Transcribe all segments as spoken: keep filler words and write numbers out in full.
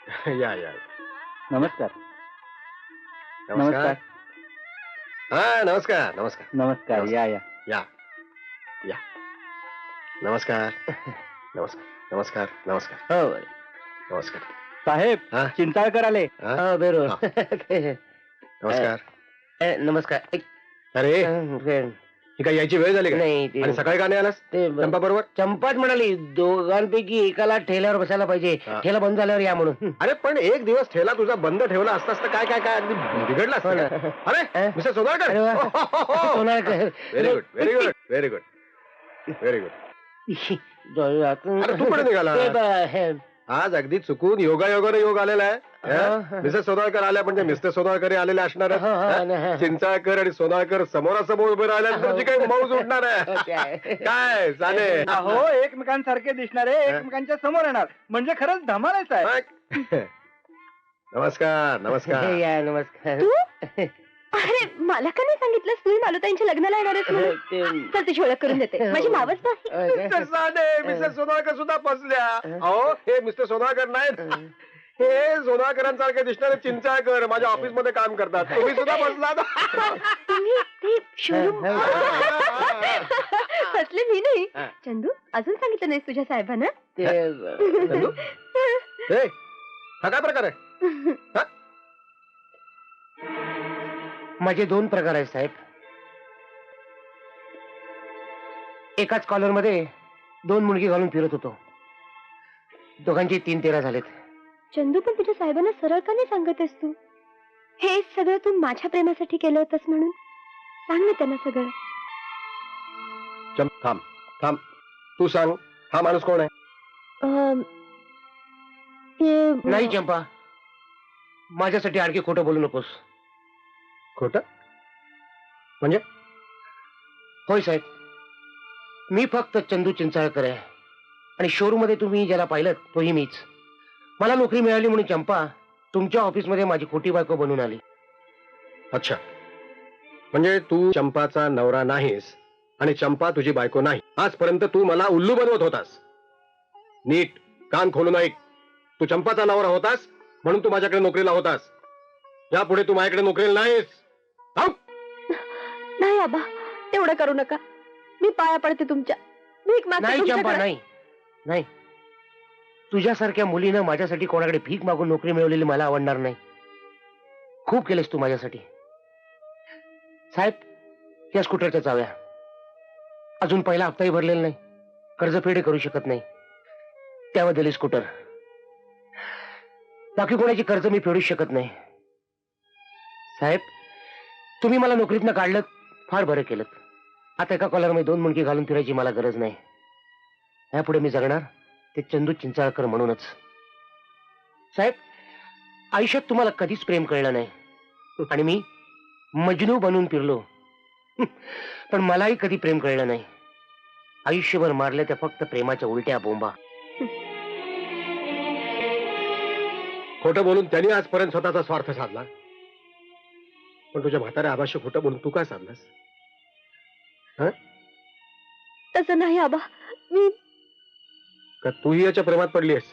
या या नमस्कार. नमस्कार. हा नमस्कार नमस्कार नमस्कार. या या या या नमस्कार नमस्कार नमस्कार नमस्कार हो नमस्कार साहेब. हा? चिंताळकर आले. हा? हो बेरो हा. नमस्कार. ए, नमस्कार ए, अरे अ, ही काय यायची वेळ झाली का? नाही ते आणि सकाळी का नाही आलास ते चंपा बरोबर? चंपाच म्हणाली दोघांपैकी एकाला ठेल्यावर बसायला पाहिजे. हा. ठेला बंद झाल्यावर या म्हणून. अरे पण एक दिवस ठेला तुझा बंद ठेवला असता असता काय काय काय अगदी बिघडला हो ना. असता. अरे अ? मिस्टर सोनाळकर. अरे वा. Sonalkar. Very good very good very good very good. अरे तू कुठे निघाला? ते ब- हे, आज अगदी चुकून योगा योगाने योग आलेला आहे. हा. मिसेस सोनाळकर आल्या म्हणजे मिस्टर सोनाळकर आलेले असणार आहेत. हा, हा, हा? हा. चिंचाळकर आणि सोनाळकर समोरासमोर उभे राहिल्यानंतर जी काही मौज उठणार आहे. काय? काय चाले अहो एकमेकांसारखे दिसणारे एकमेकांच्या समोर येणार म्हणजे खरंच धमालाच आहे. नमस्कार नमस्कार. या नमस्कार. तू? अरे मला का नाही सांगितलं तू मालुताईंच्या लग्नाला येणार आहेस म्हणून? ते- चल तुझी ओळख करून देते माझी मावस नाही. अ, मिस्टर साने मिस्टर सोनाळकर सुद्धा फसल्या. अहो हे मिस्टर सोनाळकर नाहीत, हे सोनाळकरांसारखे दिसणारे चिंचाळकर माझ्या ऑफिस मध्ये काम करतात. तुम्ही सुद्धा फसलात. तुम्ही ते शोरूम फसले मी नाही. हा. चंदू अजून सांगितलं नाहीस तुझ्या साहेबांना? ते- चंदू? हे, हा काय प्रकार आहे? हा? माझे दोन प्रकार आहेत साहेब. एकाच कॉलर मध्ये दोन मुलगी घालून फिरत होतो. दोघांचे तीन तेरा झालेत. चंदू पण तुझ्या साहेबांना सरळ का नाही सांगतेस तू? हे सगळं तू माझ्या प्रेमासाठी केलं होतंस म्हणून सांग ना त्यांना सगळं. चंप थांब थांब तू सांग हा माणूस कोण आहे? अं, ते- नाही चंपा, माझ्यासाठी आणखी खोटं बोलू नकोस. खोट म्हणजे? होय साहेब, मी फक्त चंदू चिंचाळकर आहे आणि शोरूम मध्ये तुम्ही ज्याला पाहिलं तोही मीच. मला नोकरी मिळाली म्हणून चंपा तुमच्या ऑफिसमध्ये माझी खोटी बायको बनून आली. अच्छा, म्हणजे तू चंपाचा नवरा नाहीस आणि चंपा तुझी बायको नाही. आजपर्यंत तू मला उल्लू बनवत होतास. नीट कान खोलून ऐक. तू चंपाचा नवरा होतास म्हणून तू माझ्याकडे नोकरीला होतास. यापुढे तू माझ्याकडे नोकरीला नाहीस. थांब. नाही आबा तेवढं करू नका. मी पाया पडते तुमच्या. भीक मागते नाही चंपा, तुमच्याकडे. नाही नाही, तुझ्यासारख्या मुलीनं माझ्यासाठी कोणाकडे भीक मागून नोकरी मिळवलेली मला आवडणार नाही. खूप केलेस तू माझ्यासाठी. साहेब, या स्कूटरच्या चाव्या. अजून पहिला हप्ताही भरलेला नाही, कर्जफेडही करू शकत नाही, त्याबद्दल स्कूटर. बाकी कोणाची कर्ज मी फेडू शकत नाही. साहेब, तुम्ही मला नोकरीतनं काढलं, फार बरं केलं. आता एका कॉलरमध्ये दोन मुंडकी घालून फिरायची मला गरज नाही. यापुढे मी जगणार ते चंदू चिंचाळकर म्हणूनच. साहेब, आयुष्यात तुम्हाला कधीच प्रेम कळलं नाही आणि मी मजनू बनून फिरलो, पण मलाही कधी प्रेम कळलं नाही. आयुष्यभर मारल्या त्या फक्त प्रेमाच्या उलट्या बोंबा. खोटं बोलून त्यांनी आजपर्यंत स्वतःचा स्वार्थ साधला, पण तुझ्या म्हाताऱ्या आबाशी खोटं बोलून तू काय साधलास? तसं नाही आबा. मी का तूही याच्या प्रेमात पडली आहेस?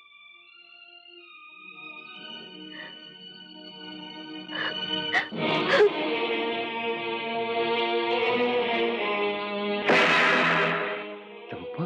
चंपा,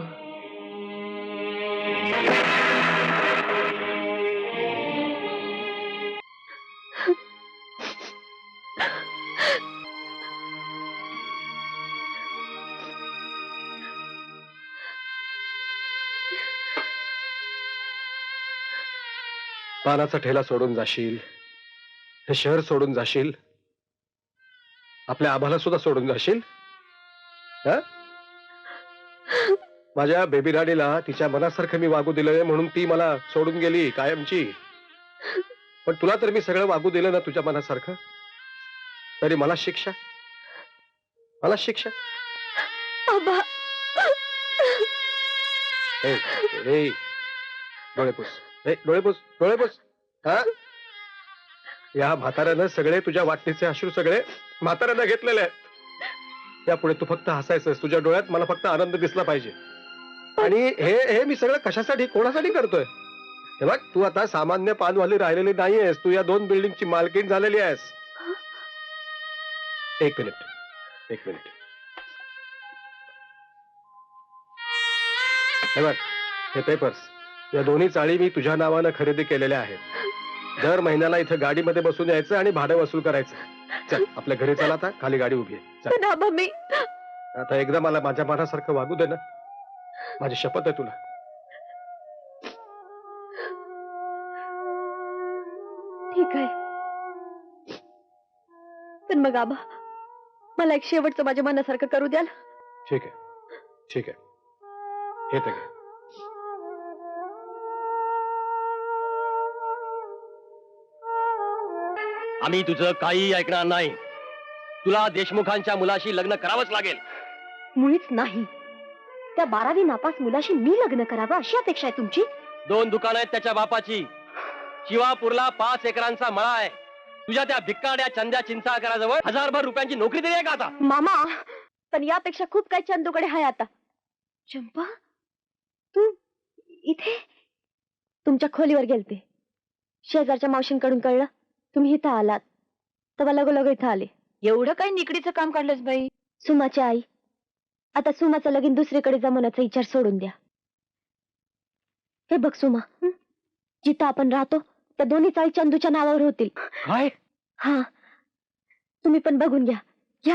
पानाचा ठेला सोडून जाशील, हे शहर सोडून जाशील, आपल्या आभाला सुद्धा सोडून जाशील. हा? माझ्या बेबी राणीला तिच्या मनासारखं मी वागू दिलंय म्हणून ती मला सोडून गेली कायमची. पण तुला तर मी सगळं वागू दिलं ना तुझ्या मनासारखं, तरी मला शिक्षा, मला शिक्षा. आबा ए, ए, डोळे पुस, ए, डोळे पुस, डोळे पुस. हा? या म्हाताऱ्यानं सगळे तुझ्या वाटणीचे अश्रू सगळे म्हाताऱ्यानं घेतलेले आहेत. यापुढे तू फक्त हसायचंस. तुझ्या डोळ्यात मला फक्त आनंद दिसला पाहिजे. आणि हे हे मी सगळं कशासाठी कोणासाठी करतोय? हे बघ, तू आता सामान्य पानवाली राहिलेली नाहीयेस, तू या दोन बिल्डिंगची मालकीण झालेली आहेस. एक मिनिट एक मिनिट हे बघ, हे पेपर्स, या दोन्ही चाळी मी तुझ्या नावानं खरेदी केलेल्या आहेत. दर महिन्याला इथं गाडीमध्ये बसून यायचं आणि भाडं वसूल करायचं. चल आपल्या घरी चला, आता खाली गाडी उभी आहे. चल. पण आबा मी आता एकदा मला माझ्या मनासारखं वागू दे ना, माझी शपथ आहे तुला. ठीक आहे, पण मग आबा मला एक शेवटचं माझ्या मनासारखं करू द्याल. ठीक आहे ठीक आहे, हे तर घे. आम्ही तुझं काही ऐकणार नाही. तुला देशमुखांच्या मुलाशी लग्न करावंच लागेल. मुळीच नाही. त्या बारावी नापास मुलाशी मी लग्न करावं अशी अपेक्षा आहे तुमची? दोन दुकान आहेत त्याच्या बापाची. शिवापूरला पाच एकरांचा मळा आहे. तुझ्या त्या भिक्काड्या चंद्या चिंचाळकराजवळ हजारभर रुपयांची नोकरी दिली आहे का आता? मामा, पण यापेक्षा खूप काही चंदूकडे आहे आता. चंपा, तू इथे? तुमच्या खोलीवर गेलते. शेजारच्या मावशींकडून कळलं तुम्ही इथं आलात, तेव्हा लगोलग इथं आले. एवढं काही निकडीचं काम काढलंस बाई? सुमाची आई, आता सुमाचं लगीन दुसरीकडे जमवण्याचा विचार सोडून द्या. हे बघ सुमा, जिथं आपण राहतो त्या दोन्ही चाळी चंदूच्या नावावर होतील. काय? हा, तुम्ही पण बघून घ्या. घ्या.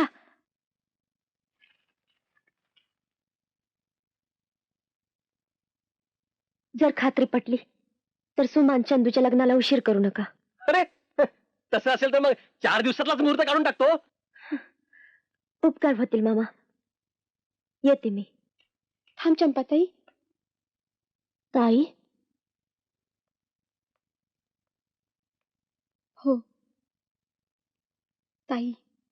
जर खात्री पटली तर सुमान चंदूच्या लग्नाला उशीर करू नका. अरे तसं असेल तर मग चार दिवसातलाच मुहूर्त काढून टाकतो. उपकार होतील मामा. येते मी. थांब चंपाताई. ताई. हो ताई,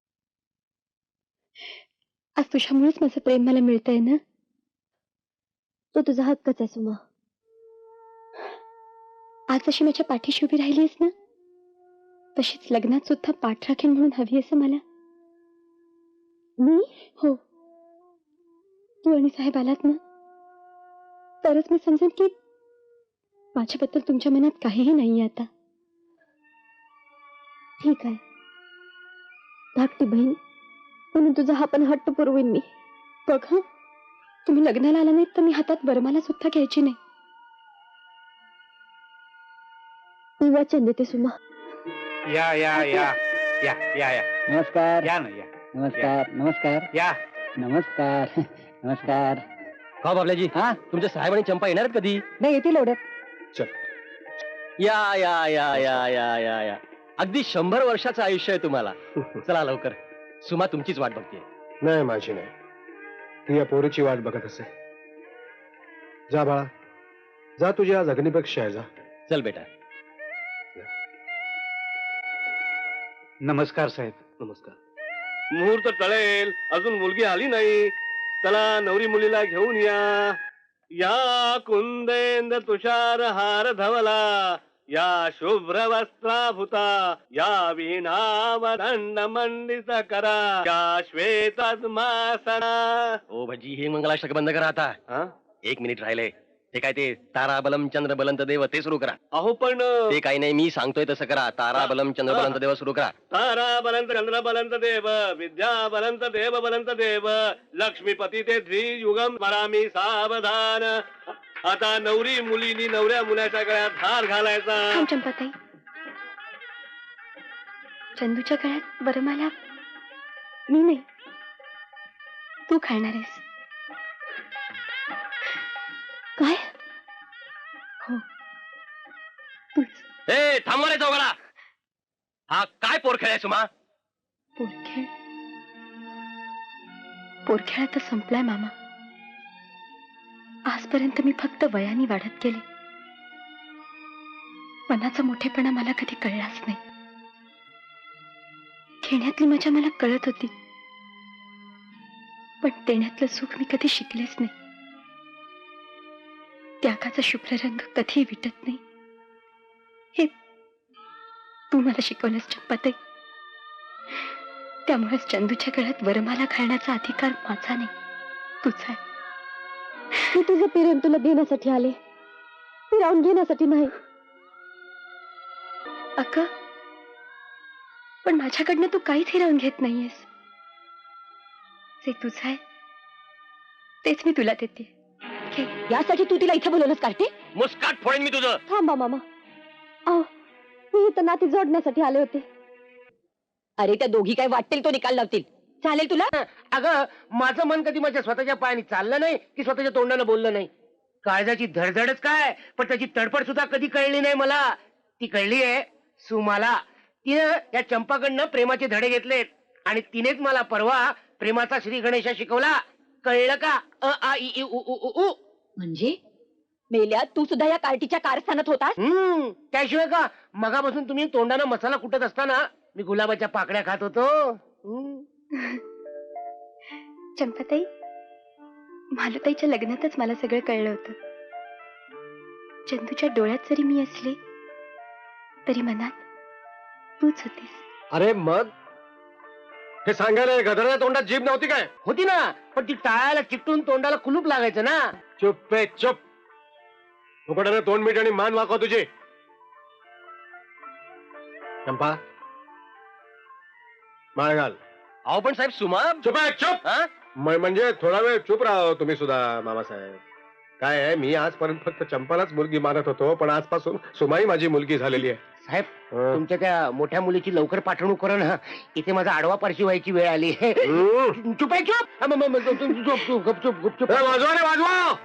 आज तुझ्यामुळेच माझं प्रेम मला मिळतंय ना. तो तुझा हक्कच आहे सुमा. आज जशी माझ्या पाठीशी उभी राहिलीस ना, तशीच लग्नात सुद्धा पाठ राखीन म्हणून हवी असं मला. मी? हो, तू आणि साहेब आलात ना, तरच मी समजेन की माझ्याबद्दल तुमच्या मनात काहीही नाहीये आता. ठीक आहे, धाकटी बहीण म्हणून तुझा हा पण हट्ट पुरवीन मी. बघ हा, तुम्ही लग्नाला आला नाहीत तर मी हातात बरमाला सुद्धा घ्यायची नाही. मी वचन देते सुमा. या या या या या या नमस्कार. या ना या. नमस्कार. नमस्कार. या नमस्कार. नमस्कार. का बाबल्याजी, हा, तुमचे साहेब आणि चंपा येणार आहेत कधी? नाही येतील एवढ्यात. चल. या या या या या या या अगदी शंभर वर्षाचं आयुष्य आहे तुम्हाला. चला लवकर, सुमा तुमचीच वाट बघते. नाही, माझी नाही, ती या पोरीची वाट बघत असे. जा बाळा, जा, तुझी आज अग्निपरीक्षा आहे. जा. चल बेटा. नमस्कार साहेब. नमस्कार. मुहूर्त टळेल, अजून मुलगी आली नाही. चला नवरी मुलीला घेऊन या. या कुंदेंद्र तुषार हार धवला, या शुभ्र वस्त्राभूता, या वीणावदंड मंडित करा, या श्वेतात्मासना. ओ भजी, हे मंगलाष्टक बंद करा आता. हा, एक मिनिट राहिले. ते काय ते तारा बलम चंद्र बलंत देव ते सुरू करा. अहो पण ते काही नाही, मी सांगतोय तसं करा. तारा बलम चंद्र बलंत देव सुरू करा. तारा बलंत चंद्र बलंत देव, विद्या बलंत देव बलंत देव, लक्ष्मीपती ते द्वियुगम स्मरामी सावधान. आता नवरी मुलीनी नवऱ्या मुलाच्या गळ्यात हार घालायचा. थांब चंपाताई. चंदूच्या गळ्यात वरमाला मी नाही, तू घालणार आहेस. काय? हो, तूच. ए थांबवा रे चौघडा. हा काय पोरखेळ आहे सुमा? पोरखेळ? पोरखेळ आता संपलाय मामा. आजपर्यंत मी फक्त वयाने वाढत गेले. मनाचा मोठेपणा मला कधी कळलाच नाही. घेण्यातली मजा मला कळत होती, पण देण्यातलं सुख मी कधी शिकलेच नाही. त्यागाचा शुभ्र रंग कधी विटत नाही, हे तू मला शिकवलंस चंपाताई. त्यामुळेच चंदूच्या गळ्यात वरमाला घालण्याचा अधिकार माझा नाही, तुझा आहे. मी तुझं प्रेम तुला देण्यासाठी आले, फिरावून घेण्यासाठी नाही. अक्का, पण माझ्याकडनं तू काहीच हिरावून घेत नाहीयेस. जे तुझं आहे तेच मी तुला देते. घे. यासाठी तू तिला इथे बोलवलंस कार्तिक? मुस्काट फोडेन मी तुझं. थांबा मामा. अहो, मी इथं नाती जोडण्यासाठी आले होते. अरे त्या दोघी काय वाटेल तो निकाल लावतील. चालेल तुला? अगं माझं मन कधी माझ्या स्वतःच्या पायाने चाललं नाही की स्वतःच्या तोंडानं बोललं नाही. काळजाची धडधडच काय, पण त्याची तडफड सुद्धा कधी कळली नाही मला. ती कळली आहे सुमाला. तिनं या चंपाकडनं प्रेमाचे धडे घेतलेत आणि तिनेच मला परवा प्रेमाचा श्री गणेशा शिकवला. कळलं का? अ आ इ ई उ उ उ उ. म्हणजे मेल्या तू सुद्धा या कार्टीच्या कारस्थानात होतास? हम्म त्याशिवाय का, मगापासून तुम्ही तोंडानं मसाला कुटत असताना मी गुलाबाच्या पाकड्या खात होतो. हम्म. चंपाताई, मालुताईच्या लग्नातच मला सगळं कळलं होतं. चंदूच्या डोळ्यात जरी मी असले तरी मनात तूच होतीस. अरे मग हे सांगायला गदराच्या तोंडात जीभ नव्हती काय? होती ना, पण ती टाळायला चिकटून तोंडाला कुलूप लागायचं ना. चुप पे चुप. उघड्यानं तोंड मीठ आणि मान वाकव तुझी. चंपा, माळ घाल. अहो पण साहेब सुमा. चुप आहे, चुप. हा? म- म्हणजे थोडा वेळ चुप राहा तुम्ही सुद्धा मामासाहेब. काय आहे, मी आजपर्यंत फक्त चंपालाच मुलगी मानत होतो, पण आजपासून सुमाई माझी मुलगी झालेली आहे. साहेब, हं. तुमच्या त्या मोठ्या मुलीची लवकर पाठवणूक करा ना. इथे माझा आडवा पारशी व्हायची वेळ आली. हं. चुप आहे, चुप. हा, म- म- म- चुप, चुप, चुप, गपचूप, गपचूप. ए, वाजवा रे वाजवा.